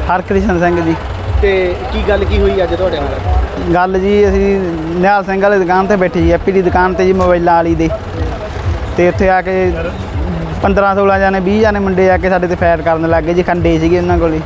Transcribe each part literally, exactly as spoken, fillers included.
ਹਰਕ੍ਰਿਸ਼ਨ ਸਿੰਘ ਜੀ। ਤੇ ਕੀ ਗੱਲ ਕੀ ਹੋਈ ਅੱਜ ਤੁਹਾਡੇ ਨਾਲ? ਗੱਲ ਜੀ ਅਸੀਂ ਨਿਹਾਲ ਸਿੰਘ ਵਾਲੀ ਦੁਕਾਨ ਤੇ ਬੈਠੇ ਜੀ, ਐਪੀ ਦੀ ਦੁਕਾਨ ਤੇ ਜੀ, ਮੋਬਾਈਲਾਂ ਵਾਲੀ ਦੇ। ਤੇ ਉੱਥੇ ਆ ਕੇ ਪੰਦਰਾਂ ਸੋਲਾਂ ਜਾਣੇ ਵੀਹ ਜਾਣੇ ਮੁੰਡੇ ਆ ਕੇ ਸਾਡੇ ਤੇ ਫਾਇਰ ਕਰਨ ਲੱਗ ਗਏ ਜੀ। ਖੰਡੇ ਸੀਗੇ ਉਹਨਾਂ ਕੋਲ।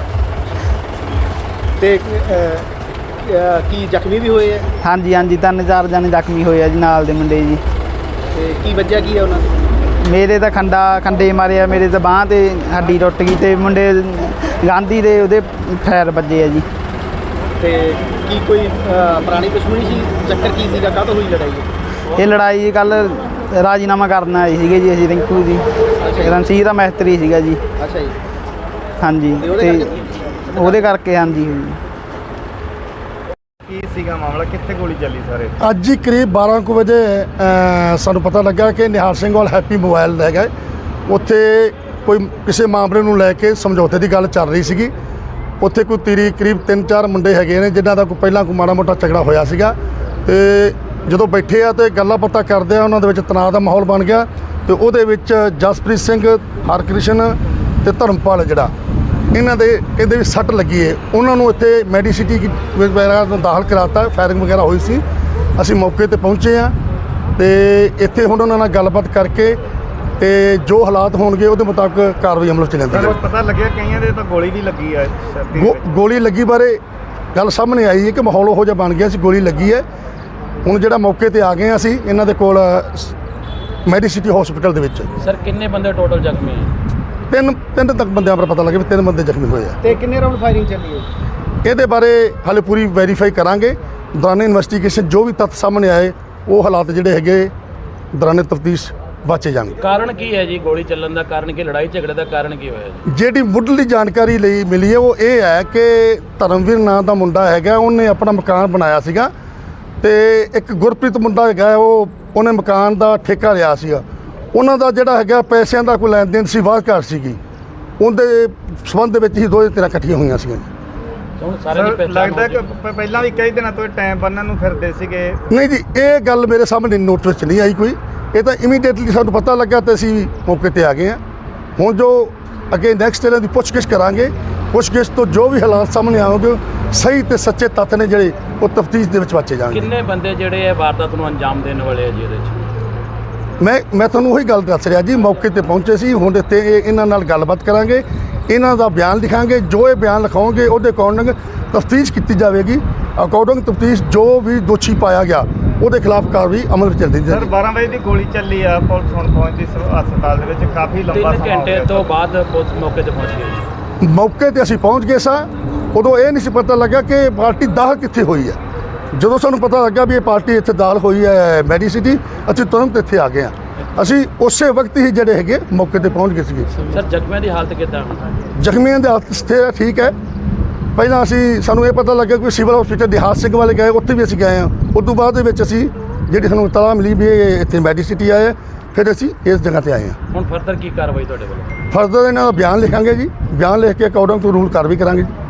ਤੇ ਕੀ ਜ਼ਖਮੀ ਵੀ ਹੋਏ ਆ? ਹਾਂਜੀ ਹਾਂਜੀ, ਤਿੰਨ ਚਾਰ ਜਾਣੇ ਜ਼ਖਮੀ ਹੋਏ ਆ ਜੀ ਨਾਲ ਦੇ ਮੁੰਡੇ ਜੀ। ਤੇ ਕੀ ਵੱਜਿਆ ਕੀ ਆ ਉਹਨਾਂ ਦੇ? ਮੇਰੇ ਤਾਂ ਖੰਡਾ ਖੰਡੇ ਮਾਰੇ ਆ, ਮੇਰੇ ਤਾਂ ਬਾਂਹ ਤੇ ਹੱਡੀ ਟੁੱਟ ਗਈ। ਤੇ ਮੁੰਡੇ ਗਾਂਧੀ ਦੇ ਉਹਦੇ ਫਾਇਰ ਵੱਜੇ ਆ ਜੀ। ਤੇ ਕੀ ਕੋਈ ਪੁਰਾਣੀ ਦੁਸ਼ਮਣੀ ਸੀ? ਚੱਕਰ ਕੀ ਸੀਗਾ? ਕਾਹਤੋਂ ਹੋਈ ਲੜਾਈ? ਇਹ ਲੜਾਈ ਜੀ ਕੱਲ੍ਹ ਰਾਜੀਨਾਮਾ ਕਰਨ ਆਏ ਸੀਗੇ ਜੀ ਅਸੀਂ, ਰਿੰਕੂ ਜੀ ਰਣਸੀਰ ਦਾ ਮਿਸਤਰੀ ਸੀਗਾ ਜੀ। ਅੱਛਾ ਜੀ। ਹਾਂਜੀ, ਤੇ ਉਹਦੇ ਕਰਕੇ ਹਾਂਜੀ। ਕੀ ਸੀਗਾ ਮਾਮਲਾ, ਕਿੱਥੇ ਗੋਲੀ ਚੱਲੀ ਸਾਰੇ? ਅੱਜ ਹੀ ਕਰੀਬ ਬਾਰਾਂ ਕੁ ਵਜੇ ਸਾਨੂੰ ਪਤਾ ਲੱਗਾ ਕਿ ਨਿਹਾਲ ਸਿੰਘ ਵਾਲ ਹੈਪੀ ਮੋਬਾਈਲ ਲੈ ਗਏ। ਉੱਥੇ ਕੋਈ ਕਿਸੇ ਮਾਮਲੇ ਨੂੰ ਲੈ ਕੇ ਸਮਝੌਤੇ ਦੀ ਗੱਲ ਚੱਲ ਰਹੀ ਸੀਗੀ। ਉੱਥੇ ਕੋਈ ਤੀਰੀ ਕਰੀਬ ਤਿੰਨ ਚਾਰ ਮੁੰਡੇ ਹੈਗੇ ਨੇ ਜਿਨ੍ਹਾਂ ਦਾ ਕੋਈ ਪਹਿਲਾਂ ਕੋਈ ਮਾੜਾ ਮੋਟਾ ਝਗੜਾ ਹੋਇਆ ਸੀਗਾ। ਤੇ ਜਦੋਂ ਬੈਠੇ ਆ ਤੇ ਗੱਲਾਂ ਬਾਤਾਂ ਕਰਦੇ ਆ, ਉਹਨਾਂ ਦੇ ਵਿੱਚ ਤਣਾਅ ਦਾ ਮਾਹੌਲ ਬਣ ਗਿਆ। ਤੇ ਉਹਦੇ ਵਿੱਚ ਜਸਪ੍ਰੀਤ ਸਿੰਘ, ਹਰਕ੍ਰਿਸ਼ਨ ਤੇ ਧਰਮਪਾਲ ਜਿਹੜਾ ਇਹਨਾਂ ਦੇ ਕਹਿੰਦੇ ਵੀ ਸੱਟ ਲੱਗੀ ਹੈ। ਉਹਨਾਂ ਨੂੰ ਇੱਥੇ ਮੈਡੀਸਿਟੀ ਵਗੈਰਾ ਦਾਖਲ ਕਰਾਤਾ। ਫਾਇਰਿੰਗ ਵਗੈਰਾ ਹੋਈ ਸੀ। ਅਸੀਂ ਮੌਕੇ ਤੇ ਪਹੁੰਚੇ ਹਾਂ ਤੇ ਇੱਥੇ ਹੁਣ ਉਹਨਾਂ ਨਾਲ ਗੱਲਬਾਤ ਕਰਕੇ ਤੇ ਜੋ ਹਾਲਾਤ ਹੋਣਗੇ ਉਹਦੇ ਮੁਤਾਬਕ ਕਾਰਵਾਈ ਅਮਲ 'ਚ ਲੈਂਦੀ ਹੈ। ਪਤਾ ਲੱਗਿਆ ਕਈਆਂ ਦੇ ਤਾਂ ਗੋਲੀ ਵੀ ਲੱਗੀ ਹੈ। ਗੋਲੀ ਲੱਗੀ ਬਾਰੇ ਗੱਲ ਸਾਹਮਣੇ ਆਈ ਹੈ ਕਿ ਮਾਹੌਲ ਉਹੋ ਜਿਹਾ ਬਣ ਗਿਆ ਸੀ, ਗੋਲੀ ਲੱਗੀ ਹੈ। ਹੁਣ ਜਿਹੜਾ ਮੌਕੇ ਤੇ ਆ ਗਏ ਅਸੀਂ ਇਹਨਾਂ ਦੇ ਕੋਲ ਮੈਡੀਸਿਟੀ ਹਸਪੀਟਲ ਦੇ ਵਿੱਚ। ਸਰ ਕਿੰਨੇ ਬੰਦੇ ਟੋਟਲ ਜ਼ਖਮੀ ਹੈ? ਤਿੰਨ ਤਿੰਨ ਤੱਕ ਬੰਦਿਆਂ ਪਰ ਪਤਾ ਲੱਗੇ ਵੀ ਤਿੰਨ ਬੰਦੇ ਜ਼ਖਮੀ ਹੋਏ ਆ। ਤੇ ਕਿੰਨੇ ਰਾਉਂਡ ਫਾਇਰਿੰਗ ਚੱਲੀ ਹੈ? ਇਹਦੇ ਬਾਰੇ ਹਾਲੇ ਪੂਰੀ ਵੈਰੀਫਾਈ ਕਰਾਂਗੇ। ਦੌਰਾਨੇ ਇਨਵੈਸਟੀਗੇਸ਼ਨ ਜੋ ਵੀ ਤੱਥ ਸਾਹਮਣੇ ਆਏ ਉਹ ਹਾਲਾਤ ਜਿਹੜੇ ਹੈਗੇ ਦੌਰਾਨੇ ਤਫਤੀਸ਼ ਵਾਚੇ ਜਾਣਗੇ। ਕਾਰਨ ਕੀ ਹੈ ਜੀ ਗੋਲੀ ਚੱਲਣ ਦਾ? ਕਾਰਨ ਕੀ, ਲੜਾਈ ਝਗੜੇ ਦਾ ਕਾਰਨ ਕੀ ਹੋਇਆ ਜੀ? ਜਿਹੜੀ ਮੁੱਢਲੀ ਜਾਣਕਾਰੀ ਲਈ ਮਿਲੀ ਹੈ ਉਹ ਇਹ ਹੈ ਕਿ ਧਰਮਵੀਰ ਨਾਂ ਦਾ ਮੁੰਡਾ ਹੈਗਾ, ਉਹਨੇ ਆਪਣਾ ਮਕਾਨ ਬਣਾਇਆ ਸੀਗਾ। ਤੇ ਇੱਕ ਗੁਰਪ੍ਰੀਤ ਮੁੰਡਾ ਹੈਗਾ, ਉਹ ਉਹਨੇ ਮਕਾਨ ਦਾ ਠੇਕਾ ਲਿਆ ਸੀਗਾ। ਉਹਨਾਂ ਦਾ ਜਿਹੜਾ ਹੈਗਾ ਪੈਸਿਆਂ ਦਾ ਕੋਈ ਲੈਣ ਦੇਣ ਸੀ, ਵਾਹ ਘਾਟ ਸੀਗੀ। ਉਹਦੇ ਸੰਬੰਧ ਦੇ ਵਿੱਚ ਹੀ ਦੋਵੇਂ ਧਿਰਾਂ ਇਕੱਠੀਆਂ ਹੋਈਆਂ ਸੀਗੀਆਂ। ਹੁਣ ਸਾਰੇ ਦੀ ਪਹਿਚਾਣ ਲੱਗਦਾ ਕਿ ਪਹਿਲਾਂ ਵੀ ਕਈ ਦਿਨਾਂ ਤੋਂ ਟਾਈਮ ਬੰਨਣ ਨੂੰ ਫਿਰਦੇ ਸੀਗੇ। ਨਹੀਂ ਜੀ, ਇਹ ਗੱਲ ਮੇਰੇ ਸਾਹਮਣੇ ਨੋਟ ਵਿੱਚ ਨਹੀਂ ਆਈ ਕੋਈ। ਇਹ ਤਾਂ ਇਮੀਡੀਏਟਲੀ ਸਾਨੂੰ ਪਤਾ ਲੱਗਾ ਤੇ ਅਸੀਂ ਮੌਕੇ ਤੇ ਆ ਗਏ ਹਾਂ। ਹੁਣ ਜੋ ਅੱਗੇ ਨੈਕਸਟ ਇਹਨਾਂ ਦੀ ਪੁੱਛਗਿੱਛ ਕਰਾਂਗੇ। ਪੁੱਛਗਿੱਛ ਤੋਂ ਜੋ ਵੀ ਹਾਲਾਤ ਸਾਹਮਣੇ ਆਉਣਗੇ, ਸਹੀ ਤੇ ਸੱਚੇ ਤੱਥ ਨੇ ਜਿਹੜੇ ਉਹ ਤਫਤੀਸ਼ ਦੇ ਵਿੱਚ ਵਾਚੇ ਜਾਣਗੇ। ਕਿੰਨੇ ਬੰਦੇ ਜਿਹੜੇ ਇਹ ਵਾਰਦਾਤ ਨੂੰ ਅੰਜਾਮ ਦੇਣ ਵਾਲੇ ਆ ਜੀ ਇਹਦੇ 'ਚ? ਮੈਂ ਮੈਂ ਤੁਹਾਨੂੰ ਉਹੀ ਗੱਲ ਦੱਸ ਰਿਹਾ ਜੀ, ਮੌਕੇ ਤੇ ਪਹੁੰਚੇ ਸੀ। ਹੁਣ ਇੱਥੇ ਇਹ ਇਹਨਾਂ ਨਾਲ ਗੱਲਬਾਤ ਕਰਾਂਗੇ, ਇਹਨਾਂ ਦਾ ਬਿਆਨ ਲਿਖਾਂਗੇ। ਜੋ ਇਹ ਬਿਆਨ ਲਿਖਾਉਣਗੇ ਉਹਦੇ ਅਕੋਰਡਿੰਗ ਤਫਤੀਸ਼ ਕੀਤੀ ਜਾਵੇਗੀ। ਅਕੋਰਡਿੰਗ ਤਫਤੀਸ਼ ਜੋ ਵੀ ਦੋਸ਼ੀ ਪਾਇਆ ਗਿਆ ਉਹਦੇ ਖਿਲਾਫ ਕਾਰਵਾਈ ਅਮਲ ਵਿੱਚ ਚੱਲਦੀ ਸਰ ਬਾਰਾਂ ਵਜੇ ਦੀ ਗੋਲੀ ਚੱਲੀ ਆ, ਪੁਲਿਸ ਹੁਣ ਪਹੁੰਚੀ ਹਸਪਤਾਲ ਦੇ ਵਿੱਚ। ਕਾਫੀ ਲੰਬਾ ਤਿੰਨ ਘੰਟੇ ਤੋਂ ਬਾਅਦ ਪੁਲਿਸ ਮੌਕੇ ਤੇ ਪਹੁੰਚ ਗਈ। ਮੌਕੇ ਤੇ ਅਸੀਂ ਪਹੁੰਚ ਗਏ ਸਾਂ। ਉਦੋਂ ਇਹ ਨਹੀਂ ਸੀ ਪਤਾ ਲੱਗਾ ਕਿ ਪਾਰਟੀ ਦਾਖਲ ਕਿੱਥੇ ਹੋਈ ਹੈ। ਜਦੋਂ ਸਾਨੂੰ ਪਤਾ ਲੱਗਾ ਵੀ ਇਹ ਪਾਰਟੀ ਇੱਥੇ ਦਾਖਲ ਹੋਈ ਹੈ ਮੈਡੀਸਿਟੀ, ਅਸੀਂ ਤੁਰੰਤ ਇੱਥੇ ਆ ਗਏ ਹਾਂ। ਅਸੀਂ ਉਸੇ ਵਕਤ ਹੀ ਜਿਹੜੇ ਹੈਗੇ ਮੌਕੇ ਤੇ ਪਹੁੰਚ ਗਏ ਸੀਗੇ। ਸਰ ਜ਼ਖਮੀਆਂ ਦੀ ਹਾਲਤ ਕਿੱਦਾਂ? ਜ਼ਖਮੀਆਂ ਦੀ ਹਾਲਤ ਸਥਿਰ ਠੀਕ ਹੈ। ਪਹਿਲਾਂ ਅਸੀਂ ਸਾਨੂੰ ਇਹ ਪਤਾ ਲੱਗਿਆ ਕਿ ਸਿਵਲ ਹਸਪੀਟਲ ਦਿਹਾਤ ਸਿੰਘ ਵਾਲੇ ਗਏ, ਉੱਥੇ ਵੀ ਅਸੀਂ ਗਏ ਹਾਂ। ਉਸ ਤੋਂ ਬਾਅਦ ਦੇ ਵਿੱਚ ਅਸੀਂ ਜਿਹੜੀ ਸਾਨੂੰ ਇਤਲਾਹ ਮਿਲੀ ਵੀ ਇਹ ਇੱਥੇ ਮੈਡੀਸਿਟੀ ਆਏ, ਫਿਰ ਅਸੀਂ ਇਸ ਜਗ੍ਹਾ ਤੇ ਆਏ ਹਾਂ। ਹੁਣ ਫਰਦਰ ਕੀ ਕਾਰਵਾਈ ਤੁਹਾਡੇ ਵੱਲੋਂ? ਫਰਦਰ ਇਹਨਾਂ ਦਾ ਬਿਆਨ ਲਿਖਾਂਗੇ ਜੀ। ਬਿਆਨ ਲਿਖ ਕੇ ਅਕੋਰਡਿੰਗ ਟੂ ਰੂਲ ਕਾਰਵਾਈ ਕਰਾਂਗੇ ਜੀ।